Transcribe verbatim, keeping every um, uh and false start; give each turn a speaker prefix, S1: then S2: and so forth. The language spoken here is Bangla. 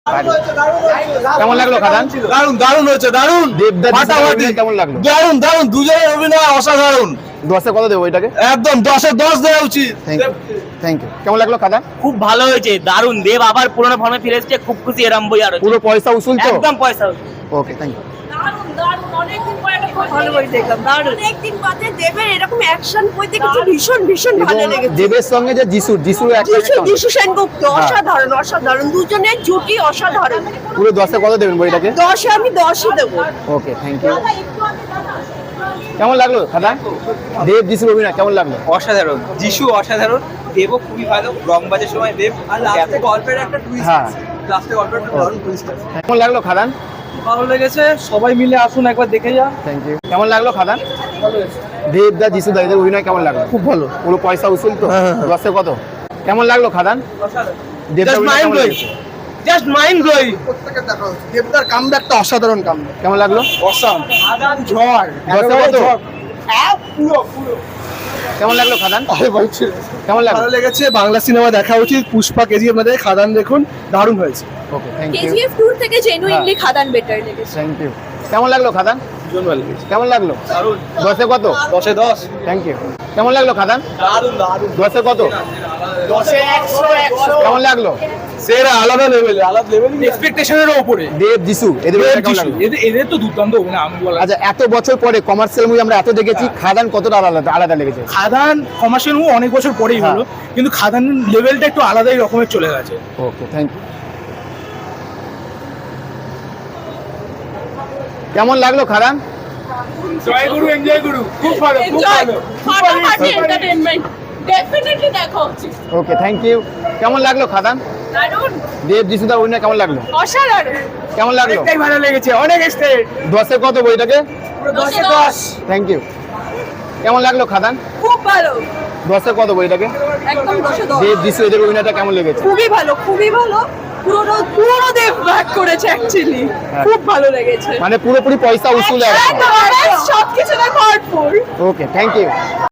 S1: কেমন লাগলো খাদান?
S2: দারুন দারুন হয়েছে, দারুন।
S1: ফাটাফাটি কেমন লাগলো?
S2: দারুন দারুন, দুজনের অভিনয় অসাধারণ।
S1: দশে কত দেবো এটাকে?
S2: একদম দশে দশ দেওয়া উচিত।
S1: Thank you. কেমন লাগলো খাদান?
S3: খুব ভালো হয়েছে, দারুন। দেব আবার পুরনো ফর্মে ফিরে এসেছে, খুব খুশি এরম বই আর
S1: পুরো পয়সা উসুল তো?
S3: একদম পয়সা।
S1: Okay, thank you.
S4: দারুণ দারুণ, অনেকদিন পর একটা খুব ভালো বই দেখলাম। দারুণ, অনেকদিন বাদে দেবের এরকম অ্যাকশন বই দেখেছি, ভীষণ ভীষণ ভালো
S1: এবং
S4: লেগেছে।
S1: দেবের সঙ্গে যে যিশুর যিশুর একটা
S4: যিশু
S1: একটা-
S4: যিশু সেনগুপ্ত অসাধারণ অসাধারণ, দুজনের জুটি অসাধারণ।
S1: পুরো দশে কত দেবেন বইটাকে?
S4: দশে আমি দশই দেবো।
S1: Okay, thank you. কেমন লাগলো খাদান? দেব যিশুর অভিনয় কেমন লাগলো?
S5: অসাধারণ, যিশু অসাধারণ, দেবও খুবই ভালো। রংবাজের সময় দেব আর লাস্টে গল্পের একটা টুইস্ট
S1: হ্যাঁ।
S5: আছে, লাস্টে গল্পের একটা দারুণ টুইস্ট আছে।
S1: কেমন লাগলো খাদান?
S5: ভালো লেগেছে, সবাই মিলে আসুন একবার দেখে যান।
S1: Thank you. কেমন লাগলো খাদান? দেব দা যিশু দা এদের অভিনয় কেমন লাগলো?
S2: খুব ভালো।
S1: পুরো পয়সা উসুল তো? দশে কত? কেমন লাগলো খাদান? দেব দা
S2: Just
S1: অভিনয়
S2: mind
S1: কেমন
S2: blowing.
S1: লেগেছে?
S2: Just mind blowing. প্রত্যেকটা দেখা হচ্ছে। দেবদার কামব্যাকটা অসাধারণ কামব্যাক।
S1: কেমন লাগলো?
S2: অসাম। ঝড়।
S1: দশে কত?
S2: হ্যাঁ, পুরো পুরো।
S1: কেমন লাগলো খাদান?
S2: আরে বলছি।
S1: কেমন লাগলো?
S2: ভালো লেগেছে, বাংলা সিনেমা দেখা উচিত। পুষ্পা, কেজিএফ মধ্যে খাদান দেখুন, দারুণ হয়েছে।
S1: Okay, thank you.
S4: KGF two থেকে জেনুইনলি খাদান বেটার লেগেছে।
S1: Thank you. কেমন লাগলো খাদান?
S2: ভীষণ ভালো লেগেছে।
S1: কেমন লাগলো?
S2: দারুণ।
S1: দশে কত?
S2: দশে দশ।
S1: Thank you. কেমন লাগলো খাদান?
S2: দারুণ দারুণ।
S1: দশে কত?
S2: দশে একশো একশো।
S1: কেমন লাগলো?
S2: সেরা, আলাদা লেভেলে, আলাদা লেভেল, এক্সপেকটেশনের উপরে।
S1: দেব যিশু এদের অভিনয় কেমন লাগলো?
S2: এদের এদের তো দুর্দান্ত অভিনয়, আমি বলা।
S1: আচ্ছা, এত বছর পরে কমার্শিয়াল মুভি আমরা এত দেখেছি, খাদান কতটা আলাদা আলাদা লেগেছে?
S2: খাদান কমার্শিয়াল মুভি অনেক বছর পরেই
S1: হ্যাঁ।
S2: হলো, কিন্তু খাদান লেভেলটা একটু আলাদাই রকমের চলে গেছে।
S1: Okay, thank you. কেমন লাগলো খাদান?
S2: জয় গুরু, এনজয় গুরু, খুব ভালো, খুব
S4: এনজয়,
S2: ভালো।
S4: ফাটাফাটি এন্টারটেইনমেন্ট, ডেফিনেটলি দেখা উচিত।
S1: Okay, thank you. কেমন লাগলো খাদান?
S4: দারুণ,
S1: দেব যিশুদার অভিনয় কেমন লাগলো?
S4: অসাধারণ।
S1: কেমন লাগলো?
S2: অনেকটাই ভালো লেগেছে, অনেক এক্সটেন্ড।
S1: দশে কত বইটাকে?
S4: দশে দশ,
S1: থ্যাংক ইউ। কেমন লাগলো খাদান?
S4: খুব ভালো,
S1: দশে কত বইটাকে?
S4: একদম দশে দশ।
S1: দেব যিশু এদের অভিনয়টা কেমন লেগেছে?
S4: খুবই ভালো, খুবই ভালো। পুরোনো পুরোনো দেব ব্যাক করেছে অ্যাকচুয়ালি, খুব ভালো লেগেছে।
S1: মানে পুরোপুরি পয়সা উসুল একদম।
S4: সব কিছু ভরপুর।
S1: Okay, thank you.